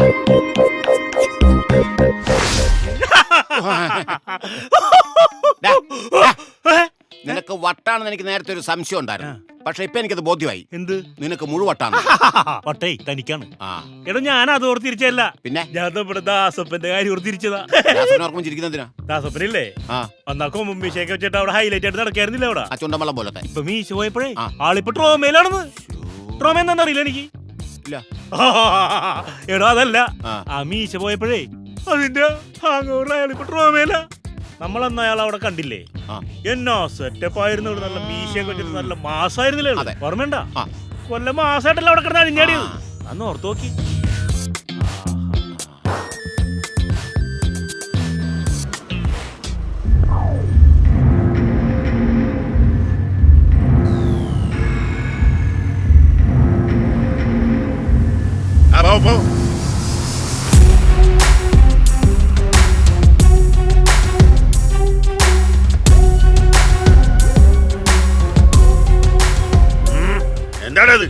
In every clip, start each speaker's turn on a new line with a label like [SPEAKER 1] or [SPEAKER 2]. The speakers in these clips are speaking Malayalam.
[SPEAKER 1] നിനക്ക് വട്ടാണെന്ന് എനിക്ക് നേരത്തെ ഒരു സംശയം ഉണ്ടായിരുന്നു. പക്ഷെ ഇപ്പൊ എനിക്കത് ബോധ്യമായി. എന്ത്? നിനക്ക് മുഴുവട്ടാണ്.
[SPEAKER 2] വട്ടേ തനിക്കാണ്. എടോ ഞാൻ അത് ഓർത്തിരിച്ചല്ല.
[SPEAKER 1] പിന്നെ
[SPEAKER 2] ഞാൻ ഇവിടെ ദാസപ്പന്റെ കാര്യം ഓർത്തിരിച്ചതാ.
[SPEAKER 1] ചിരിക്കുന്നതിനാ?
[SPEAKER 2] ദാസപ്പനില്ലേ അന്നാ കൊമ്പും മീശയൊക്കെ വെച്ചിട്ട് അവിടെ ഹൈലൈറ്റ് ആയിട്ട് നടക്കായിരുന്നില്ല അവിടെ.
[SPEAKER 1] ആ ചുണ്ടമ്പളം പോലത്തെ.
[SPEAKER 2] ഇപ്പൊ മീശ പോയപ്പോഴേ ആളിപ്പോ ട്രോമയിലാണെന്ന്. ട്രോമ എന്താണെന്ന് അറിയില്ല എനിക്ക്. എടോ അതല്ല, ആ മീശ പോയപ്പോഴേ അതിന്റെ അയാളിപ്പോ ട്രോമയില. നമ്മളന്ന് അയാൾ അവിടെ കണ്ടില്ലേ? എന്നാ സെറ്റപ്പ് ആയിരുന്നു. നല്ല മീശയൊക്കെ വെച്ചിട്ട് നല്ല മാസമായിരുന്നില്ലേ? ഓർമ്മയുണ്ട? കൊല്ലം മാസമായിട്ടല്ല അവിടെ കിടന്ന് അഴിഞ്ഞാടിയത്. അന്ന് ഓർത്ത് നോക്കി.
[SPEAKER 3] എന്താണത്?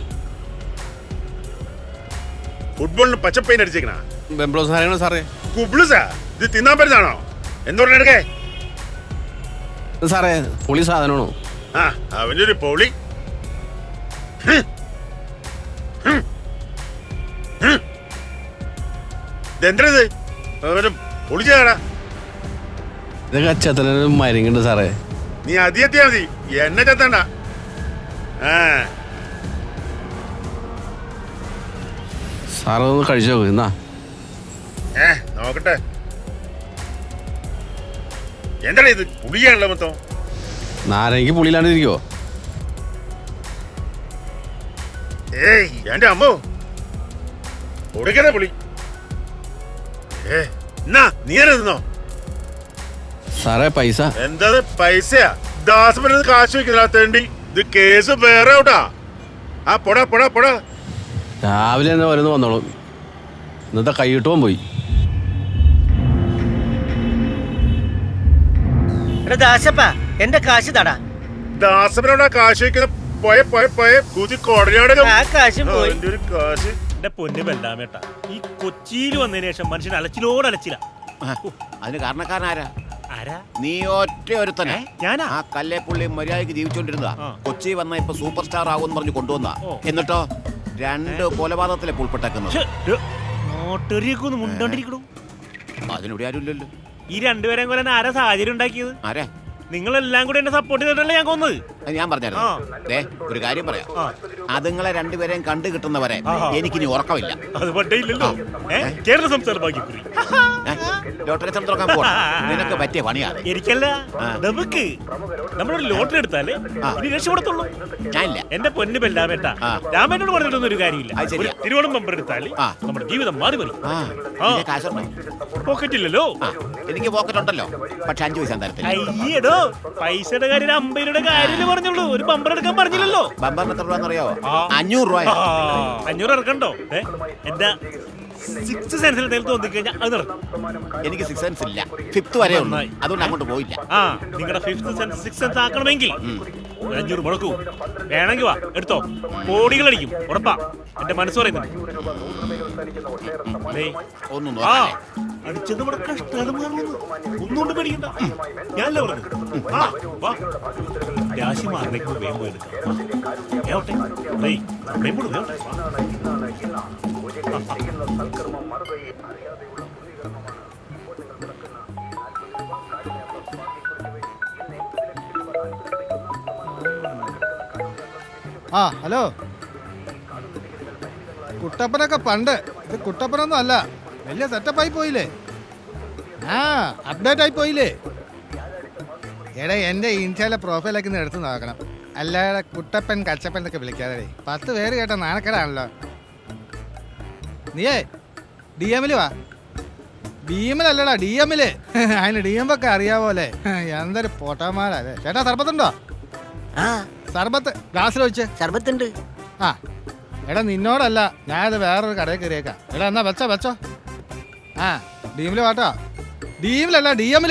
[SPEAKER 3] ഫുട്ബോളിന് പച്ചപ്പൈൻ അടിച്ചേക്കണ
[SPEAKER 4] സാറേ.
[SPEAKER 3] കുബ്ലുസാ? ഇത് തിന്നാൻ പറ്റുന്നതാണോ? എന്തുകൊണ്ട് എടുക്കേ
[SPEAKER 4] സാറേ? പൊളി സാധനമാണോ?
[SPEAKER 3] ആ അവന്റെ ഒരു പൊളി. ഇതെന്തത്? പൊളിച്ചാടാ.
[SPEAKER 4] ഇതൊക്കെ ചെത്തനൊരു മരുങ്ങുണ്ട് സാറേ.
[SPEAKER 3] നീ അതിയെത്തിയാ മതി, എന്നെ ചെത്തണ്ട.
[SPEAKER 4] സാറ് ഒന്ന് കഴിച്ചു നോക്ക്. എന്നാ
[SPEAKER 3] നോക്കട്ടെ. എന്താടാ ഇത്? പുളിയാണല്ലോ മൊത്തം.
[SPEAKER 4] നാരങ്ങക്ക് പുളിയിലാണ്ടിരിക്കോ?
[SPEAKER 3] ഏയ് എന്റെ അമ്മോ, കൊടുക്കണ പുളി. എന്നാ നീ തിന്നോ
[SPEAKER 4] സാറേ. പൈസ
[SPEAKER 3] എന്താ? പൈസയാ? ദാസപ്പൻ കാശ് വെക്കുന്ന തേണ്ടി. ഇത് കേസ് വേറെ ഔട്ടാ. ആ പൊടാ പൊടാ പൊടാ.
[SPEAKER 4] രാവിലെ തന്നെ വരുന്ന വന്നോളൂ. ഇന്നത്തെ കൈയിട്ടും പോയി.
[SPEAKER 5] എന്റെ കാശ് തടാ.
[SPEAKER 3] ദാസപ്പനോടാ കാശ് വെക്കുന്ന. പോയ പോയ പോയ കൂതി കൊടനാട്
[SPEAKER 5] കാശ്.
[SPEAKER 2] എന്റെ പൊന്നു ബെല്ലാമേട്ട, ഈ കൊച്ചിയിൽ വന്നതിന് ശേഷം മനുഷ്യൻ അലച്ചിലോട് അലച്ചില്ല.
[SPEAKER 1] അതിന് കാരണക്കാരനാരാ?
[SPEAKER 2] ആരാ?
[SPEAKER 1] നീ ഒറ്റ ഒരുത്തനെ.
[SPEAKER 2] ഞാനാ?
[SPEAKER 1] ആ കല്ലേപ്പുള്ളി മര്യാദക്ക് ജീവിച്ചോണ്ടിരുന്നതാ. കൊച്ചി വന്ന ഇപ്പൊ സൂപ്പർ സ്റ്റാർ ആകുമെന്ന് പറഞ്ഞു കൊണ്ടുവന്നാ. എന്നിട്ടോ 2 കൊലപാതകത്തിലെ ഉൾപ്പെട്ടേക്കുന്നത്.
[SPEAKER 2] നോട്ടറിയൊക്കെ ഒന്ന് മുണ്ടോണ്ടിരിക്കണു.
[SPEAKER 1] അതിനിവിടെ ആരും ഇല്ലല്ലോ.
[SPEAKER 2] ഈ രണ്ടുപേരെയും കൊല്ലാൻ ആരാ സാഹചര്യം ഉണ്ടാക്കിയത്?
[SPEAKER 1] ആരാ?
[SPEAKER 2] നിങ്ങളെല്ലാം കൂടെ എന്നെ സപ്പോർട്ട് ചെയ്തിട്ടല്ലേ ഞാൻ കൊന്നത്.
[SPEAKER 1] ഞാൻ പറഞ്ഞായിരുന്നു. ഒരു കാര്യം പറയാം. അതുങ്ങളെ രണ്ടുപേരെയും കണ്ടു കിട്ടുന്നവരെ എനിക്കിനി ഉറക്കമില്ല.
[SPEAKER 2] അത് പണ്ടേ ഇല്ലല്ലോ. കേരള സംസ്ഥാന ഭാഗ്യക്കുറി
[SPEAKER 1] ലോട്ടറി തുറക്കാൻ പോകണം. നിനക്ക് പറ്റിയ പണിയാണ്.
[SPEAKER 2] എനിക്കല്ല, നമുക്ക്. നമ്മളൊരു ലോട്ടറി എടുത്താലേ ഇനി രക്ഷപ്പെടത്തുള്ളൂ.
[SPEAKER 1] ഞാനില്ല.
[SPEAKER 2] എന്റെ പൊന്നു ബെല്ലാമേട്ട, രാമനോട് പറഞ്ഞിട്ടൊന്നും ഒരു കാര്യമില്ല. തിരുവോണം ബമ്പർ എടുത്താല് നമ്മുടെ ജീവിതം മാറി മറി. പോക്കറ്റില്ലല്ലോ.
[SPEAKER 1] എനിക്ക് പോക്കറ്റ് ഉണ്ടല്ലോ, പക്ഷെ 5 പൈസ തരത്തില്ല.
[SPEAKER 2] അയ്യടോ, പൈസയുടെ കാര്യം 50 രൂപയുടെ കാര്യം പറഞ്ഞുള്ളൂ. ഒരു ബമ്പർ എടുക്കാൻ പറഞ്ഞില്ലല്ലോ.
[SPEAKER 1] ബമ്പറിന് എത്ര രൂപ? 500 രൂപ.
[SPEAKER 2] 500 ഇറക്കണ്ടോ? എന്റെ 6th സെൻസിൽ തോന്നിക്കഴിഞ്ഞാൽ അത് നടക്കും.
[SPEAKER 1] എനിക്ക് 6th സെൻസ് ഇല്ല, 5th വരെ ഉള്ളൂ. അതുകൊണ്ട് അങ്ങോട്ട് പോയില്ല.
[SPEAKER 2] നിങ്ങളുടെ 5th സെൻസ് 6th സെൻസ് ആക്കണമെങ്കിൽ 500 മുടക്കൂ. വേണമെങ്കിൽ വാ എടുത്തോ. കോടികളടിക്കും, ഉറപ്പാ. എന്റെ മനസ്സ് പറയുന്നത്. അടിച്ചത് ഇവിടെ കഷ്ടകാലം. ഒന്നുകൊണ്ട് പേടിക്കണ്ട, ഞാനല്ലേ പറഞ്ഞത്. രാശി മാറിലേക്ക് വേഗം പോയി എടുക്കാം.
[SPEAKER 6] ഹലോ. കുട്ടപ്പനൊക്കെ പണ്ട്. ഇത് കുട്ടപ്പനൊന്നും അല്ല. വലിയ സെറ്റപ്പായി പോയില്ലേ? അപ്ഡേറ്റ് ആയി പോയില്ലേ? എടാ, എൻ്റെ ഇൻസ്റ്റയിലെ പ്രൊഫൈലൊക്കെ ഒന്ന് എടുത്ത് നോക്കണം. അല്ലാതെ കുട്ടപ്പൻ കച്ചപ്പൻ എന്നൊക്കെ വിളിക്കാതെ 10 പേര് കേട്ട നാണക്കേടാണല്ലോ. നീയേ DM വാ. DM അല്ലടാ, DM. അതിന് DM ഒക്കെ അറിയാവോലെ. എന്തൊരു പൊട്ടന്മാരല്ലേ. ചേട്ടാ, സർബത്തുണ്ടോ? സർബത്ത് ഗ്ലാസ്സിൽ വെച്ച്.
[SPEAKER 5] സർബത്തുണ്ട്.
[SPEAKER 6] എടാ, നിന്നോടല്ല, ഞാനത് വേറൊരു കടയിൽ കയറിയേക്കാം. എടാ, എന്നാ വെച്ചോ. DM വാട്ടോ. DM അല്ല, DM.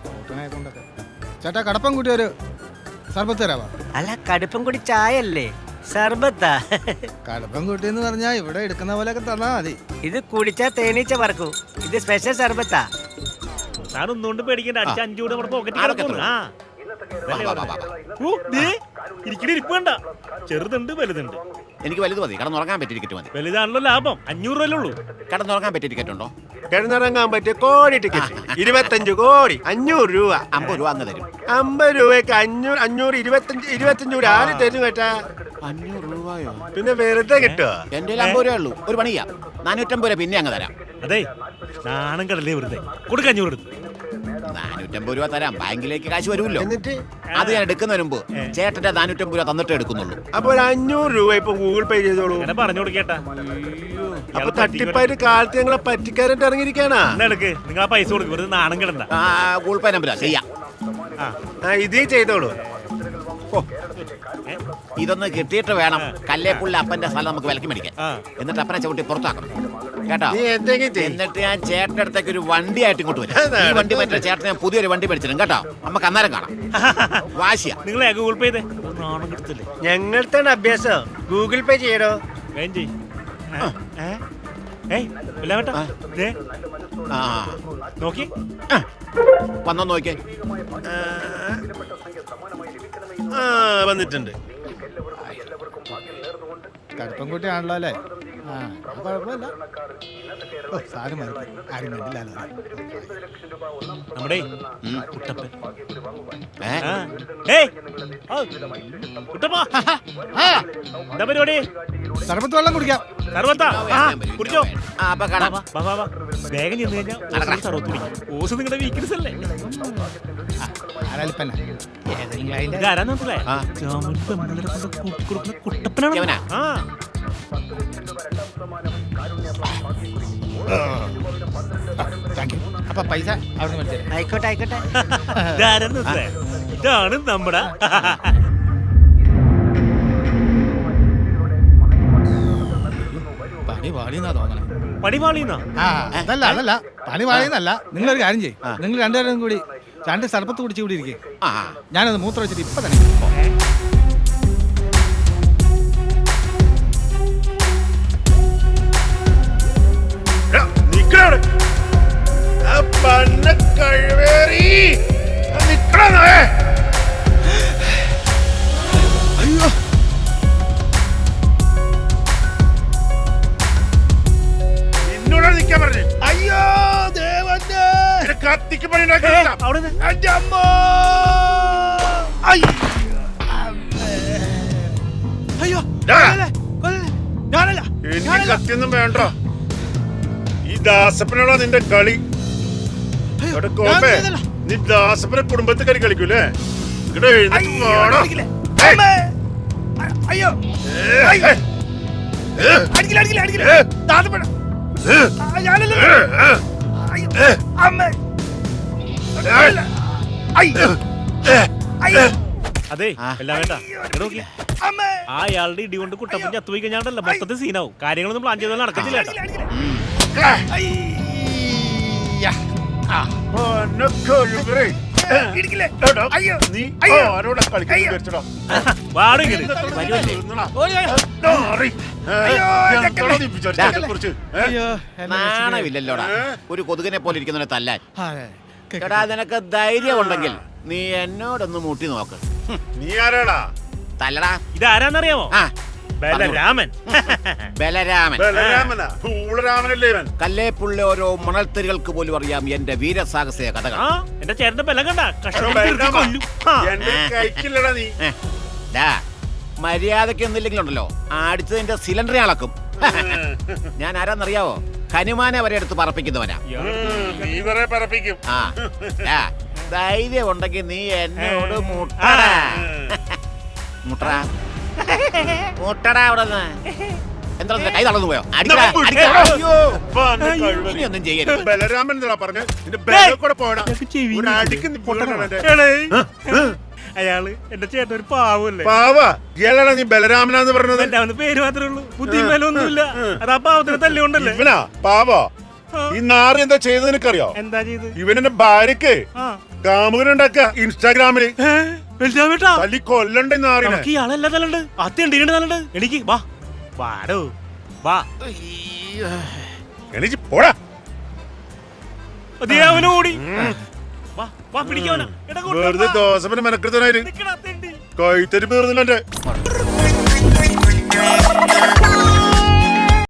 [SPEAKER 6] ചേട്ടാ, കടപ്പം കൂട്ടി ഒരു സർബത്ത് തരാവാ.
[SPEAKER 5] അല്ല, കടുപ്പം കൂടി ചായ അല്ലേ? സർബത്താ
[SPEAKER 6] കടുപ്പം കുട്ടി എന്ന് പറഞ്ഞാ ഇവിടെ എടുക്കുന്ന പോലെയൊക്കെ തന്നാ മതി.
[SPEAKER 5] ഇത് കുടിച്ചാ തേനീച്ച പറക്കൂ. ഇത് സ്പെഷ്യൽ സർബത്താ.
[SPEAKER 2] സാർ ഒന്നുകൊണ്ട് പേടിക്കണ്ട, അടിച്ച 5 കൂടെ നമ്മുടെ പോക്കറ്റിൽ കിടക്കുന്നു. ആ
[SPEAKER 1] വാ, വാ, വാ, വാ.
[SPEAKER 2] ഓ, ദേ, ഇരിക്കണ ഇരിപ്പ് വേണ്ട. ചെറുതുണ്ട് വലുതുണ്ട്.
[SPEAKER 1] എനിക്ക് വലുത് മതി. കടന്നുറങ്ങാൻ പറ്റിയ ടിക്കറ്റ് മതി.
[SPEAKER 2] വലുതാണല്ലോ ലാഭം. 500 രൂപയല്ലേ ഉള്ളൂ.
[SPEAKER 1] കടന്നുറങ്ങാൻ പറ്റിയ ടിക്കറ്റ് ഉണ്ടോ?
[SPEAKER 7] കിടന്നിറങ്ങാൻ പറ്റിയ കോടി ടിക്കറ്റ് 25 കോടി 500 രൂപ.
[SPEAKER 1] 50 രൂപ അങ്ങ് തരും.
[SPEAKER 7] 50 രൂപയ്ക്ക് 500 25 രൂപ ആര് തരും കേട്ടാ?
[SPEAKER 1] 500 രൂപയോ?
[SPEAKER 7] പിന്നെ വെറുതെ കിട്ടുക.
[SPEAKER 1] എന്റെ 50 രൂപ ഉള്ളൂ. ഒരു പണിയാ, 450 രൂപ പിന്നെ അങ്ങ് തരാം.
[SPEAKER 2] അതെ, നാണം കടലേ വെറുതെ കൊടുക്ക. 500 എടുത്ത്
[SPEAKER 1] 450 രൂപ തരാം. ബാങ്കിലേക്ക് കാശ് വരുമല്ലോ.
[SPEAKER 7] എന്നിട്ട്
[SPEAKER 1] അത് ഞാൻ എടുക്കുന്നതിന് മുമ്പ് ചേട്ടന്റെ 450 രൂപ തന്നിട്ടേ എടുക്കുന്നുള്ളൂ.
[SPEAKER 7] അപ്പൊ ഒരു 500 രൂപ ഇപ്പൊ ഗൂഗിൾ പേ ചെയ്തോളൂ.
[SPEAKER 2] അങ്ങനെ പറഞ്ഞു കൊടുക്കേട്ടാ.
[SPEAKER 7] അപ്പൊ തട്ടിപ്പായിട്ട് കാലത്ത് ഞങ്ങളെ പറ്റിക്കാരായിട്ട് ഇറങ്ങിയിരിക്കാനാ.
[SPEAKER 2] എടുക്ക്, നിങ്ങൾ ആ പൈസ കൊടുക്കും. വെറുതെ നാണം കിടണ്ട.
[SPEAKER 1] ഗൂഗിൾ പേ നമ്പരാ ചെയ്യാം.
[SPEAKER 7] ഇതേ ചെയ്തോളൂ.
[SPEAKER 1] ഇതൊന്ന് കിട്ടിയിട്ട് വേണം കല്ലേപ്പുള്ളി അപ്പന്റെ സ്ഥലം നമുക്ക് വിലക്ക് മേടിക്കാൻ. എന്നിട്ട് അപ്പനെ ചവിട്ടി പുറത്താക്കണം കേട്ടോ.
[SPEAKER 7] നീ എന്തെങ്കിലും ചെയ്യ്.
[SPEAKER 1] എന്നിട്ട് ഞാൻ ചേട്ടന്റെ അടുത്തേക്ക് ഒരു വണ്ടി ആയിട്ട് ഇങ്ങോട്ട് വരും. ഈ വണ്ടി പറ്റിയ ചേട്ടൻ ഞാൻ പുതിയൊരു വണ്ടി മേടിച്ചിരും കേട്ടോ. നമുക്ക് അന്നേരം കാണാം. വാശിയാ.
[SPEAKER 2] നിങ്ങളെ ഗൂഗിൾ പേ ചെയ്തേ. നാണം കിടത്തില്ലേ.
[SPEAKER 7] ഞങ്ങളുടെ അഭ്യാസം ഗൂഗിൾ പേ ചെയ്യടോ.
[SPEAKER 2] വേഗം ചെയ്യ്. ഏയ് ഇല്ല കേട്ടോ. ദേ,
[SPEAKER 1] ആ
[SPEAKER 2] നോക്കി.
[SPEAKER 1] വന്നോ നോക്കിയേ.
[SPEAKER 7] വന്നിട്ടുണ്ട്.
[SPEAKER 6] കടുപ്പം കുട്ടിയാണല്ലോ അല്ലേ? ആ, അത് കുഴപ്പമില്ല. ഓ, സാരം മതി. ആരും കണ്ടില്ലല്ലോ.
[SPEAKER 2] നമ്മുടെ കുട്ടപ്പൻ.
[SPEAKER 1] ഏ?
[SPEAKER 2] ആ. ഏയ്, ആ, കുട്ടപ്പാ. എന്താ പരിപാടി?
[SPEAKER 6] സർബത്ത് വെള്ളം കുടിക്കാം.
[SPEAKER 2] സർവത്താ. ആ, കുടിച്ചോ.
[SPEAKER 1] ആ, അപ്പൊ കാണാം.
[SPEAKER 2] വാ, വാ, വാ. വേഗം ചെന്ന് കഴിഞ്ഞാൽ സർവത്ത് കുടിക്കും. ഓസ് നിങ്ങളുടെ വീക്ക്നെസ് അല്ലേ?
[SPEAKER 6] ആരാലിപ്പന്നെ ഏതെങ്കിലും അതിന്റെ
[SPEAKER 2] ഇതാരാന്ന് മനസ്സിലായോ?
[SPEAKER 1] ആ.
[SPEAKER 2] ജാമൂന് പെമ്പിള്ളേരെ കൊണ്ട് കൂട്ടിക്കൊടുക്കുന്ന കുട്ടപ്പനാണ്.
[SPEAKER 1] ഇവനാ?
[SPEAKER 2] ആ.
[SPEAKER 6] Thank you. അപ്പൊ പൈസ അവിടെ മേടിച്ചേ.
[SPEAKER 5] ആയിക്കോട്ടെ ആയിക്കോട്ടെ.
[SPEAKER 2] ഇതാരാന്ന് മനസ്സിലായോ? ഇതാണ് നമ്മുടെ
[SPEAKER 6] പണി പാടിയെന്നാ തോന്നണേ.
[SPEAKER 2] പണിപാളിന്നാ.
[SPEAKER 6] ആ, അതല്ല പണി പാടിയെന്നല്ല. നിങ്ങളൊരു കാര്യം ചെയ്യും. നിങ്ങൾ രണ്ടുപേരും കൂടി 2 സർബത്ത് കുടിച്ച് കൂടി ഇരിക്കും.
[SPEAKER 1] ആ,
[SPEAKER 6] ഞാനത് മൂത്രം വെച്ചിട്ട് ഇപ്പൊ തന്നെ
[SPEAKER 3] നിക്കവിടെ പന്ന കഴിവേറി നിക്കണേ.
[SPEAKER 6] അയ്യോ,
[SPEAKER 3] നിന്നോടാണ് നിക്കാൻ പറഞ്ഞു.
[SPEAKER 6] അയ്യോ ദേവന്റെ
[SPEAKER 3] കത്തിക്ക് പണി ഉണ്ടാക്കി
[SPEAKER 2] അവിടെ നിന്ന്
[SPEAKER 6] എന്റെ അമ്മ. അയ്യോ, ഞാനല്ല.
[SPEAKER 3] എനിക്ക് കത്തിയൊന്നും വേണ്ട. ഈ ദാസപ്പനോടാ നിന്റെ കളി. ഇവിടെ കോപ്പേ, നീ ദാസപ്പനെ കുടുംബത്തെ കളി കളിക്കൂലേ? ഇവിടെ എഴുന്നേറ്റ് പോടാ.
[SPEAKER 6] അയ്യോ, അടിക്കില്ല. താത്തപ്പഴ ഞാനല്ല. അമ്മ.
[SPEAKER 2] അതെ എല്ലാം വേണ്ട. ആ അയാളുടെ ഇടി കൊണ്ട് കുട്ടപ്പൻ ചത്തുപോയി കഴിഞ്ഞാണ്ടല്ല മൊത്തത്തിൽ സീനാവും. കാര്യങ്ങളൊന്നും പ്ലാൻ ചെയ്താൽ നടക്കത്തില്ല കേട്ടോ.
[SPEAKER 3] നീ ആരോടാ കളിക്കാൻ വെച്ചടാ?
[SPEAKER 2] വാടും ഇങ്ങനെ.
[SPEAKER 6] അയ്യോ,
[SPEAKER 1] നാണമില്ലല്ലോടാ ഒരു കൊതുകിനെ പോലെ ഇരിക്കുന്നവനെ തല്ലാൻ. എടാ, നിനക്ക് ധൈര്യം ഉണ്ടെങ്കിൽ നീ എന്നോടൊന്ന് മുട്ടി നോക്ക്.
[SPEAKER 3] നീ ആരാടാ?
[SPEAKER 1] തല്ലടാ.
[SPEAKER 2] ഇതാരാന്നറിയാമോ?
[SPEAKER 1] ആ,
[SPEAKER 2] ബലരാമൻ.
[SPEAKER 1] ബലരാമൻ.
[SPEAKER 3] ബലരാമനാ? പൂളരാമനല്ലേ ഇവൻ?
[SPEAKER 1] കല്ലേപ്പുള്ളി ഓരോ മണൽത്തരികൾക്ക് പോലും അറിയാം എന്റെ വീരസാഹസിക കഥകൾ.
[SPEAKER 2] ആ, എന്റെ ചേട്ടന്റെ ബലം കണ്ട
[SPEAKER 3] ബലരാമാ, എന്റെ കൈക്കില്ലടാ നീ.
[SPEAKER 1] മര്യാദക്ക് ഒന്നില്ലെങ്കിലുണ്ടല്ലോ അടിച്ചതിന്റെ സിലിണ്ടർ അളക്കും. ഞാൻ ആരാന്നറിയാവോ? ഹനുമാനെ വരെ എടുത്ത് പറപ്പിക്കുന്നവനാ.
[SPEAKER 3] നീ കുറെ പറപ്പിക്കും.
[SPEAKER 1] ആ, ധൈര്യം ഉണ്ടെങ്കിൽ നീ എന്നോട് മുട്ടടാ. മുട്ടടാ മുട്ടടാ. അവിടെ എന്താ കൈ തളർന്നു പോയോ? അടിക്കടാ, അടിക്കടാ. അയ്യോ, ഇനിയൊന്നും ചെയ്യരുത്.
[SPEAKER 3] ബലരാമൻ എന്താ പറഞ്ഞ? നിന്റെ ബലം കൂടെ പോടാ. ഒരു അടിക്ക് നീ പൊട്ടനാ അവന്റെ.
[SPEAKER 2] അയാള് എന്റെ ചേട്ടൻ ഒരു പാവല്ലേ.
[SPEAKER 3] പാവാ ഇയാളാണ് നീ ബലരാമനാന്ന് പറഞ്ഞത്.
[SPEAKER 2] എന്റെ അവന് പേര് മാത്രമേ ഉള്ളൂ, ബുദ്ധിയും ബലമൊന്നുമില്ല. അത് ആ പാവത്തിന് തല്ലുകൊണ്ടല്ലേ.
[SPEAKER 3] ഇവനാ പാവാ? ഈ നാറി എന്താ ചെയ്തത് നിനക്കറിയോ?
[SPEAKER 2] എന്താ ചെയ്ത്?
[SPEAKER 3] ഇവനെന്റെ ഭാര്യക്ക് കാമുകനുണ്ടാക്ക ഇൻസ്റ്റാഗ്രാമില്.
[SPEAKER 2] ബെഞ്ചാമേട്ടാ
[SPEAKER 3] തല്ലി കൊല്ലണ്ടേ നാറിനെ
[SPEAKER 2] നമുക്ക് ഇയാളല്ല തലണ്ട് അത്യണ്ട് തലണ്ട് എനിക്ക് വാ വാടോ വാ
[SPEAKER 3] എണീച്ച് പോടാ
[SPEAKER 2] അവന് ഓടി വാ വാ പിടിക്കാവനാ
[SPEAKER 3] വെറുതെ ദോശപ്പന് മെനക്കെടുത്തനായിട്ട് കൈത്തരി പേർന്നില്ല എന്റെ